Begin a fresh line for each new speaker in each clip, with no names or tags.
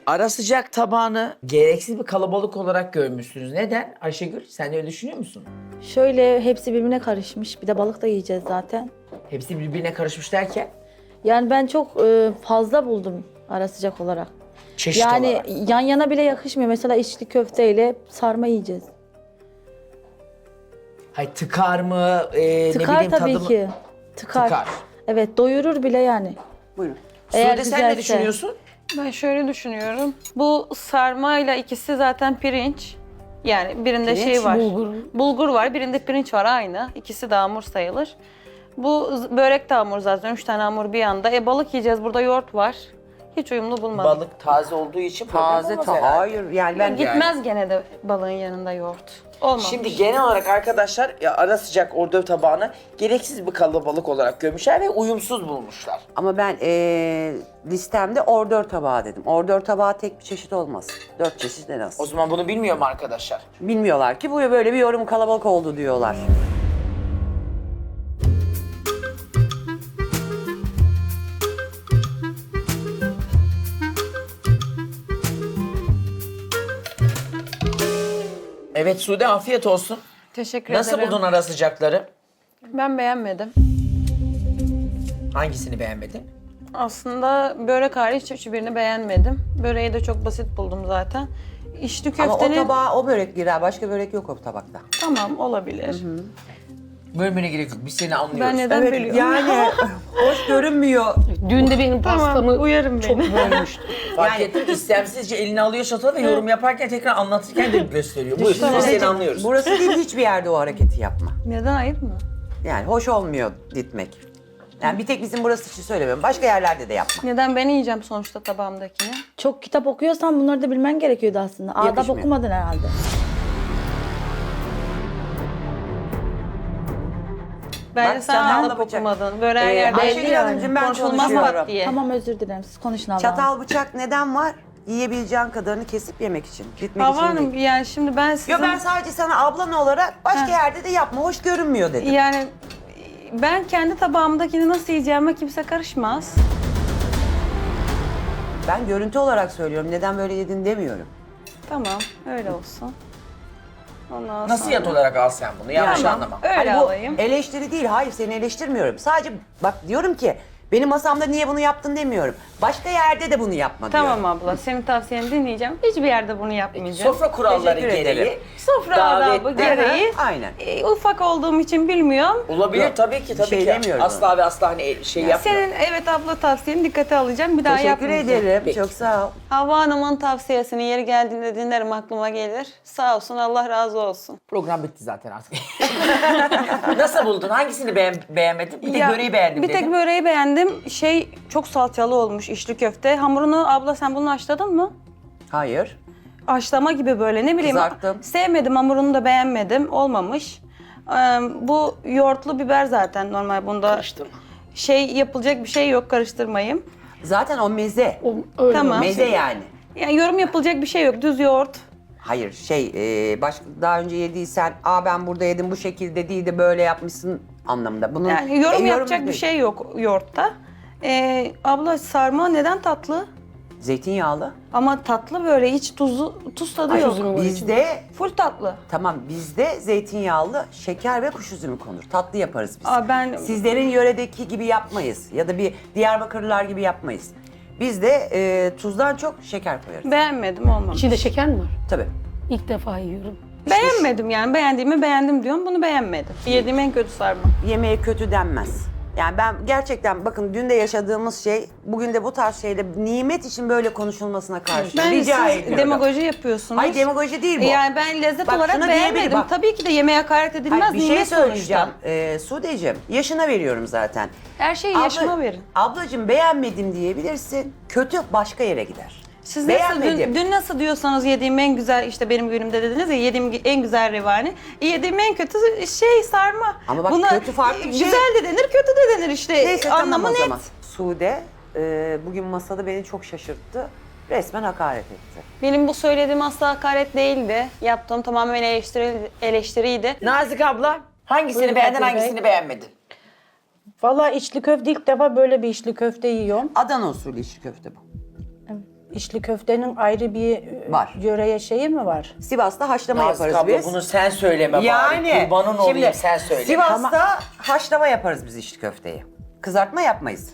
Ara sıcak tabağını gereksiz bir kalabalık olarak görmüşsünüz. Neden? Ayşegül sen de öyle düşünüyor musun?
Şöyle hepsi birbirine karışmış. Bir de balık da yiyeceğiz zaten.
Hepsi birbirine karışmış derken
Yani ben çok fazla buldum ara sıcak olarak.
çeşit
Yani
olarak.
yan yana bile yakışmıyor. Mesela içli köfteyle sarma yiyeceğiz.
Hay tıkar mı? Ne
Tıkar
bileyim
tabii
tadı mı?
ki. Tıkar.
Tıkar.
Evet, doyurur bile yani.
Buyurun.
Eğer
Sude sen ne
güzelse.
düşünüyorsun?
Ben şöyle düşünüyorum. Bu sarmayla ikisi zaten pirinç. Yani birinde
Pirinç,
şey var.
bulgur.
Bulgur var, birinde pirinç var aynı. İkisi de hamur sayılır. Bu börek de hamur zaten. 3 tane hamur bir anda. Balık yiyeceğiz. Burada yoğurt var. Hiç uyumlu bulmadım.
Balık taze olduğu için problem
Taze
olmaz
ta
herhalde.
hayır yani ben
Gitmez gene de balığın yanında yoğurt. Olmamış.
Şimdi genel olarak arkadaşlar ya ara sıcak ordöv tabağını gereksiz bir kalabalık olarak görmüşler ve uyumsuz bulmuşlar.
ama ben listemde ordör tabağı dedim. Ordör tabağı tek bir çeşit olmaz. 4 çeşit en az.
O zaman bunu bilmiyor mu arkadaşlar?
Bilmiyorlar ki bu böyle bir yorum kalabalık oldu diyorlar.
Evet Sude afiyet olsun.
Teşekkür
Nasıl
ederim.
buldun ara sıcakları?
Ben beğenmedim.
Hangisini beğenmedin?
Aslında börek hariç hiçbirini beğenmedim. Böreği de çok basit buldum zaten. İçli
Ama o
köftenin...
tabağa o börek girer. Başka börek yok o tabakta.
Tamam, olabilir.
Bölmene gerek yok. Biz seni anlıyoruz.
Ben neden bölüyorum?
yani hoş görünmüyor.
Dün de benim pastamı
uyarım
çok
beni.
bölmüştü.
Fark ettim istemsizce elini alıyor çatalı ve yorum yaparken tekrar anlatırken de gösteriyor. Buyur biz seni anlıyoruz.
Burası değil hiçbir yerde o hareketi yapma.
Neden ayıp mı?
Yani hoş olmuyor ditmek. Yani bir tek bizim burası için söylemiyorum. Başka yerlerde de yapma.
Neden ben yiyeceğim sonuçta tabağımdakini?
Çok kitap okuyorsan bunları da bilmen gerekiyordu aslında. Adap
Yakışmıyor.
okumadın herhalde.
Bence
Bak,
sen
çatalla
adap
bıçak.
okumadın. Böyle her yerde
Ayşegül Hanımcığım ben
konuşulmaz
konuşuyorum.
pat diye.
Tamam, özür dilerim. Siz konuşun Allah'ım.
Çatal bıçak neden var? Yiyebileceğin kadarını kesip yemek için. Gitmek
Hava
için
Hanım
değil.
yani şimdi ben sizin...
Yo ben sadece sana ablan olarak başka yerde de yapma. Hoş görünmüyor dedim.
Yani ben kendi tabağımdakini nasıl yiyeceğime kimse karışmaz.
Ben görüntü olarak söylüyorum. Neden böyle yedin demiyorum.
Tamam, öyle olsun. Ondan
Nasihat
sonra...
olarak al sen bunu. Yanlış
Tamam,
anlama.
öyle
Hani bu
alayım.
eleştiri değil. Hayır seni eleştirmiyorum. Sadece bak diyorum ki benim masamda niye bunu yaptın demiyorum. Başka yerde de bunu yapma diyorum.
Tamam abla, senin tavsiyeni dinleyeceğim. Hiçbir yerde bunu yapmayacağım.
Sofra kuralları
Teşekkür
gereği.
ederim.
Sofra adabı
davette-
gereği.
Aynen.
Ufak olduğum için bilmiyorum.
Olabilir
Yok,
tabii ki
bir
tabii
şey
ki.
demiyorum.
Asla ve asla hani şey yapmıyor.
Senin evet abla tavsiyeni dikkate alacağım. Bir daha
Teşekkür
yapmayacağım.
ederim.
Peki.
Çok sağ ol.
Havva Hanım'ın tavsiyesini yeri geldiğinde dinlerim, aklıma gelir. Sağ olsun, Allah razı olsun.
Program bitti zaten artık. Nasıl buldun? Hangisini beğenmedin? Bir tek
Ya,
böreği beğendim
Bir
dedin.
tek böreği beğendim. Çok salçalı olmuş içli köfte. Hamurunu abla sen bunu haşladın mı?
Hayır.
Haşlama gibi böyle ne bileyim.
Kızarttım.
Sevmedim, hamurunu da beğenmedim. Olmamış. Bu yoğurtlu biber zaten normal bunda.
Karıştırma.
Yapılacak bir şey yok, karıştırmayayım.
Zaten o meze.
O, öyle
Tamam.
Meze yani.
Yani yorum yapılacak bir şey yok, düz yoğurt.
Hayır daha önce yediysen ben burada yedim bu şekilde değil de böyle yapmışsın anlamında. Bunun
Yani yorum yapacak bir
değil.
şey yok yoğurtta. Abla sarma neden tatlı?
Zeytinyağlı.
Ama tatlı böyle hiç tuz tadı
Kuş
yok.
üzümü var içinde.
Bizde
Full tatlı.
tamam bizde zeytinyağlı şeker ve kuş üzümü konur. Tatlı yaparız biz.
Ben
Sizlerin yöredeki gibi yapmayız ya da bir Diyarbakırlılar gibi yapmayız. Bizde tuzdan çok şeker koyarız.
beğenmedim, olmamış.
İçinde şeker mi var?
Tabii.
İlk defa yiyorum.
Beğenmedim yani, beğendiğimi beğendim diyorum, bunu beğenmedim. Yediğim en kötü sarma.
Yemeğe kötü denmez. Yani ben gerçekten bakın dün de yaşadığımız şey, bugün de bu tarz şeyde nimet için böyle konuşulmasına karşı rica
Siz
ediyorum.
demagoji yapıyorsunuz.
Hayır demagoji değil bu.
Yani ben lezzet
Bak,
olarak
şunu diyebilirim,
beğenmedim.
bak.
Tabii ki de yemeğe hakaret edilmez,
Hayır, bir şey
nimet
söyleyeceğim.
sonuçta.
Sudeciğim, yaşına veriyorum zaten.
Her şeyi yaşıma verin.
Ablacığım beğenmedim diyebilirsin. Kötü başka yere gider.
Siz nasıl,
Beğenmedim.
dün nasıl diyorsanız yediğim en güzel, işte benim günümde dediniz ya, yediğim en güzel revani. Yediğim en kötü sarma.
Ama bak kötü farklı bir şey.
Güzel de denir, kötü de denir işte.
Neyse
Anlamı
tamam o
net.
zaman. Sude bugün masada beni çok şaşırttı. Resmen hakaret etti.
Benim bu söylediğim asla hakaret değildi. Yaptığım tamamen eleştiriydi.
Nazik abla hangisini
Buyurun
beğendin
Kadir Bey.
hangisini beğenmedin?
Vallahi içli köfte ilk defa böyle bir içli köfte yiyorum.
Adana usulü içli köfte bu.
içli köftenin ayrı bir
Var.
yöreye şeyi mi var?
Sivas'ta haşlama
Nazik
yaparız
abla
biz.
bunu sen söyleme
Yani
bari. Kurbanın olayım
şimdi
sen söyle.
Sivas'ta haşlama yaparız biz içli köfteyi. Kızartma yapmayız.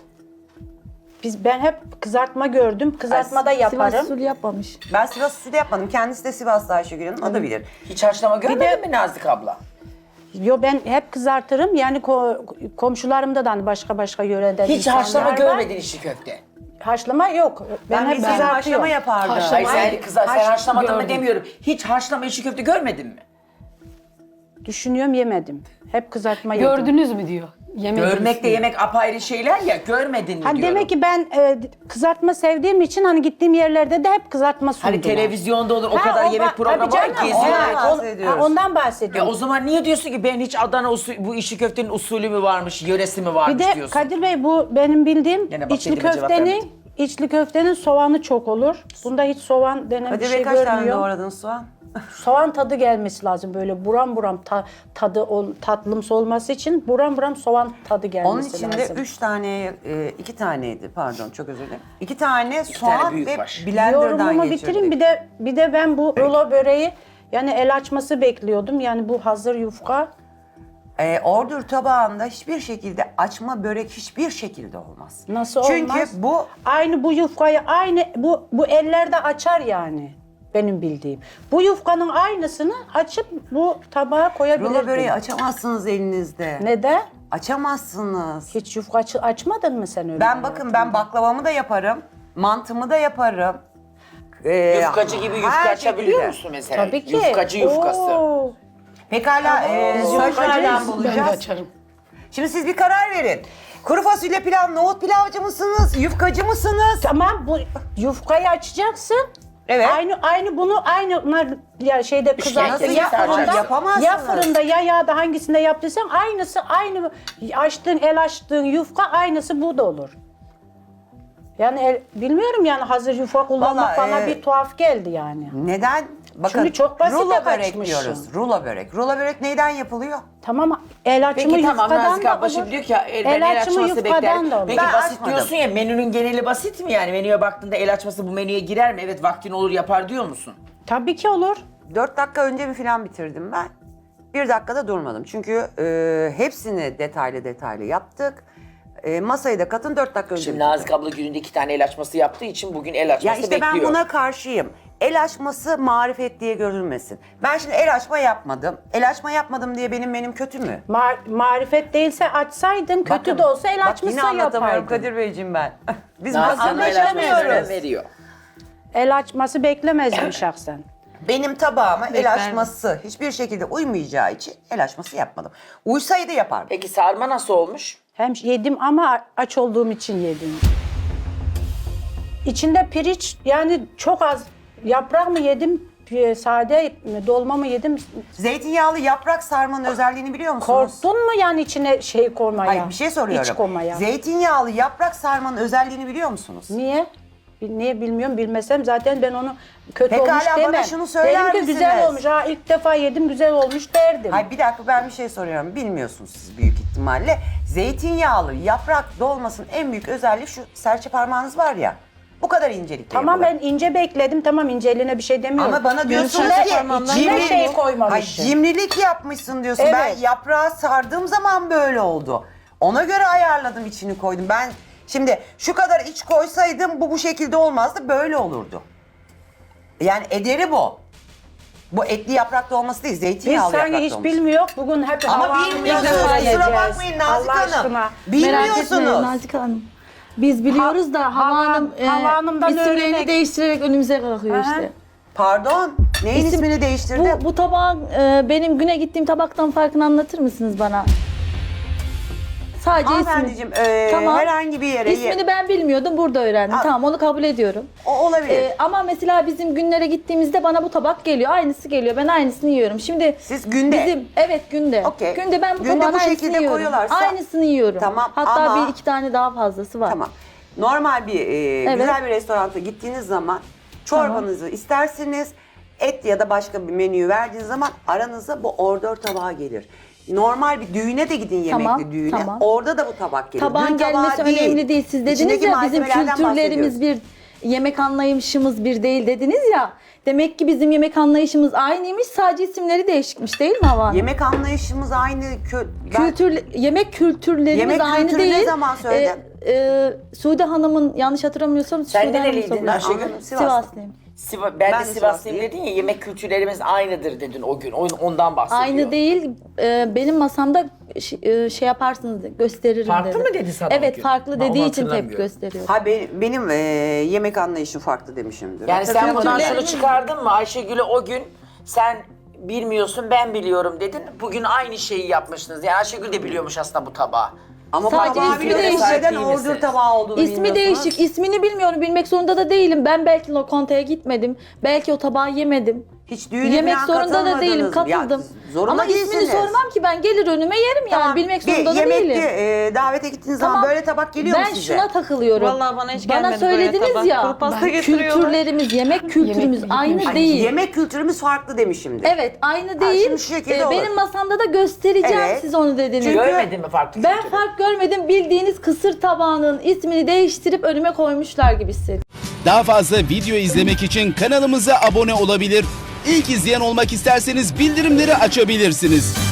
Ben hep kızartma gördüm. Kızartma da yaparım.
Sivas usulü yapmamış.
Ben Sivas usulü yapmadım. Kendisi de Sivas'ta Ayşegül Hanım. O da bilir.
Hiç haşlama görmedin
de-
mi Nazik abla?
Yo, ben hep kızartırım. Yani komşularımda da hani başka yöreden
Hiç
insanlar
haşlama
var.
görmedin içli köfte.
Haşlama yok. Ben hep
bildiğin haşlama
kızartıyorum.
yapardım.
Hayır sen haşlamadın mı
gördüm.
demiyorum. Hiç haşlama içli köfte görmedin mi?
Düşünüyorum, yemedim. Hep kızartma yedim.
Gördünüz mü diyor. Yemediniz
Görmek de
mi?
yemek apayrı şeyler ya. Görmedin mi
Hani
diyorum.
demek ki ben kızartma sevdiğim için hani gittiğim yerlerde de hep kızartma sundular.
Hani televizyonda olur o
Ha,
kadar
o
yemek
ba-
programı
tabii
var
canım,
geziyor.
Ondan
o-
bahsediyoruz.
Ondan
Ya
bahsediyorum.
o zaman niye diyorsun ki ben hiç Adana usulü, bu içli köftenin usulü mü varmış, yöresi mi
Bir
varmış
de
diyorsun.
Kadir Bey, bu benim bildiğim
Gene bak
içli
dediğime cevap vermedin.
köftenin soğanı çok olur. Bunda hiç soğan denen
Hadi
bir
be
şey
kaç tane
görmüyorum.
doğradın soğan?
Soğan tadı gelmesi lazım, böyle buram buram tatlımsı olması için buram buram soğan tadı gelmesi
Onun
lazım.
içinde 3 tane, 2 taneydi pardon çok özür dilerim. 2 tane soğan
tane büyük
ve
baş.
blenderdan
Yorumumu
geçirdik.
bitireyim. Bir de ben bu rulo böreği, yani el açması bekliyordum. Yani bu hazır yufka.
Ordur tabağında hiçbir şekilde açma börek hiçbir şekilde olmaz.
Nasıl
Çünkü
olmaz?
bu
Aynı bu yufkayı bu ellerde açar yani, benim bildiğim. Bu yufkanın aynısını açıp bu tabağa koyabilirdim.
rulo böreği açamazsınız elinizde.
Neden?
Açamazsınız.
Hiç yufka açmadın mı sen öyle?
Ben baklavamı da yaparım, mantımı da yaparım.
Yufkacı gibi yufka
her
açabiliyor
şekilde.
musun mesela?
Tabii ki.
Yufkacı yufkası.
Oo.
Pekala, söz nereden
yufkacıyız.
Ben de
bulacağız?
açarım.
Şimdi siz bir karar verin. Kuru fasulye pilav, nohut pilavcı mısınız, yufkacı mısınız?
Tamam, bu yufkayı açacaksın.
Evet.
Aynı bunu ya şeyde kızartır
nasıl
ya
yapamazsınız?
fırında,
Yapamazsınız.
ya fırında ya yağda, hangisinde yaptıysan aynı el açtığın yufka aynısı bu da olur. Yani bilmiyorum, yani hazır yufka kullanmak
Vallahi,
bana bir tuhaf geldi yani.
Neden? Bakın,
Çünkü çok basite
rulo börek
kaçmışsın.
diyoruz. Rulo börek. Rulo börek neyden yapılıyor?
Tamam, el açımı
Peki tamam
yufkadan
Nazik
da
abla
olur.
şimdi diyor ki ya, ben el
açımı
açması bekler.
yufkadan da olur.
Peki
Ben
basit
açmadım.
diyorsun ya, menünün geneli basit mi yani? Menüye baktığında el açması bu menüye girer mi? Evet vaktin olur yapar diyor musun?
Tabii ki olur.
4 dakika önce mi falan bitirdim ben. 1 dakikada durmadım. Çünkü hepsini detaylı yaptık. Masayı da katın 4 dakika önce
Şimdi
bitirdim.
Nazik abla gününde 2 tane el açması yaptığı için bugün el açması
Ya işte
bekliyor.
ben buna karşıyım. El açması marifet diye görülmesin. Ben şimdi el açma yapmadım. El açma yapmadım diye benim menüm kötü mü?
Marifet değilse açsaydın, kötü de olsa el
bak
açmışsa
yine anlatamıyorum
yapaydın.
Kadir Beyciğim ben. Biz
Nazik
masada
abla el açmasını
yaşamıyoruz.
veriyor.
El açması beklemezdim şahsen.
Benim tabağıma el
Bekler.
açması hiçbir şekilde uymayacağı için el açması yapmadım. Uysaydı yapardım.
Peki sarma nasıl olmuş?
Hem yedim ama aç olduğum için yedim. İçinde pirinç, yani çok az yaprak mı yedim, sade mi, dolma mı yedim?
Zeytinyağlı yaprak sarmanın özelliğini biliyor musunuz?
Korktun mu yani içine şey koymaya?
Hayır bir şey soruyorum.
İç koymaya.
Zeytinyağlı yaprak sarmanın özelliğini biliyor musunuz?
Niye? Niye bilmiyorum, bilmesem zaten ben onu kötü
Pekala,
olmuş
bana
demem.
şunu söyler
Derim ki
misiniz?
güzel olmuş, ilk defa yedim güzel olmuş derdim.
Hayır bir dakika ben bir şey soruyorum. Bilmiyorsunuz siz büyük ihtimalle. Zeytinyağlı yaprak dolmasının en büyük özelliği şu serçe parmağınız var ya. Bu kadar incelikte
Tamam,
yapılır.
ben ince bekledim, tamam, inceliğine bir şey demiyorum.
Ama bana diyorsunuz
İçine-
ki
içine şey koymamışsın.
cimrilik yapmışsın diyorsun. Ben
Evet.
yaprağı sardığım zaman böyle oldu. Ona göre ayarladım, içini koydum. Ben şimdi şu kadar iç koysaydım bu şekilde olmazdı, böyle olurdu. Yani ederi bu. Bu etli yapraklı olması değil,
Biz
zeytinyağlı
sanki
yapraklı
hiç
olması.
bilmiyoruz. Bugün hep
Ama
havanın
bilmiyorsunuz,
yanına
kusura
yiyeceğiz.
bakmayın Nazik
Allah
Hanım.
aşkına.
Merak etmeyin
Bilmiyorsunuz.
Nazik Hanım. Biz biliyoruz da Hava Hanım
Hava Hanım'dan
isimlerini
öğrenmek.
değiştirerek önümüze kalkıyor
Aha.
işte.
Pardon, neyin
İsim-
ismini değiştirdi?
Bu tabağın benim güne gittiğim tabaktan farkını anlatır mısınız bana? Sadece ismi.
Hanımefendiciğim,
Tamam.
herhangi bir yere...
İsmini ben bilmiyordum, burada öğrendim.
Aa.
Tamam, onu kabul ediyorum.
O olabilir.
Ama mesela bizim günlere gittiğimizde bana bu tabak geliyor, aynısı geliyor. Ben aynısını yiyorum. Şimdi
Siz günde?
evet günde.
Okey.
Günde ben bu
Günde
tabağın
bu
aynısını
şekilde
yiyorum.
koyuyorlarsa-
Aynısını yiyorum.
Tamam,
Hatta
ama-
bir iki tane daha fazlası var.
Tamam. Normal bir güzel bir restoranta gittiğiniz zaman çorbanızı istersiniz, et ya da başka bir menüyü verdiğiniz zaman aranıza bu ordör tabağı gelir. Normal bir düğüne de gidin, yemekli
Tamam,
düğüne.
tamam.
Orada da bu tabak gelir.
Tabağın
Düğün tabağı
gelmesi önemli değil. Siz dediniz
İçindeki
ya bizim
malzemelerden
kültürlerimiz
bahsediyoruz.
yemek anlayışımız bir değil dediniz ya. Demek ki bizim yemek anlayışımız aynıymış, sadece isimleri değişikmiş değil mi Hava Hanım?
Yemek anlayışımız aynı.
Yemek kültürlerimiz
Yemek
aynı
kültürü
değil.
ne zaman söyledin?
Sude Hanım'ın, yanlış hatırlamıyorsam
Sen
Sude Hanım
nereliydin
soruyor.
Ayşegül?
Sivaslıyım.
Ben de
Ben de
Sivaslıyım
Sivaslıyım.
dedin ya, yemek kültürlerimiz aynıdır dedin o gün. Ondan bahsediyor.
Aynı değil. Benim masamda şey yaparsınız, gösteririm
Farklı
dedi.
mı dedi sana o
Evet,
gün?
farklı
Ben
dediği
onu
için tepki
hatırlamıyorum.
gösteriyor.
Ha benim yemek anlayışım farklı demişimdir.
Yani sen buradan şunu
Kültürlerimiz-
çıkardın mı Ayşegül'e o gün sen bilmiyorsun ben biliyorum dedin. Bugün aynı şeyi yapmışsınız. Yani Ayşegül de biliyormuş aslında bu tabağı.
Ama
Sadece
tabağı
ismi
biliyorum.
değişik.
Neden
Değil
ordur
misiniz?
tabağı olduğunu
İsmi
bilmiyorsunuz?
değişik. İsmini bilmiyorum. Bilmek zorunda da değilim. Ben belki lokantaya gitmedim. Belki o tabağı yemedim.
Hiç düğüne
Yemek
falan
zorunda da değilim.
katılmadınız mı? Ya,
Katıldım.
zorunda
Ama ismini
değilsiniz.
sormam ki, ben gelir önüme yerim yani.
Tamam,
Bilmek
bir
zorunda da
yemekte,
değilim.
davete gittiğiniz zaman
Tamam.
böyle tabak geliyor mu
Ben
size?
şuna takılıyorum.
Vallahi bana hiç
Bana
gelmedi böyle
söylediniz
tabak.
ya.
Kuru pasta getiriyorlar.
Kültürlerimiz, yemek kültürümüz
Yemek
aynı
bilmiyorum.
değil.
Yemek kültürümüz farklı demişimdir.
Evet, aynı değil.
şimdi şu şekilde olur.
Benim masamda da göstereceğim,
Evet.
siz onu dediniz.
Görmedin mi farklı
Ben
kültürü?
fark görmedim. Bildiğiniz kısır tabağının ismini değiştirip önüme koymuşlar gibi hissettim.
Daha fazla video izlemek için kanalımıza abone olabilir. İlk izleyen olmak isterseniz bildirimleri açabilirsiniz.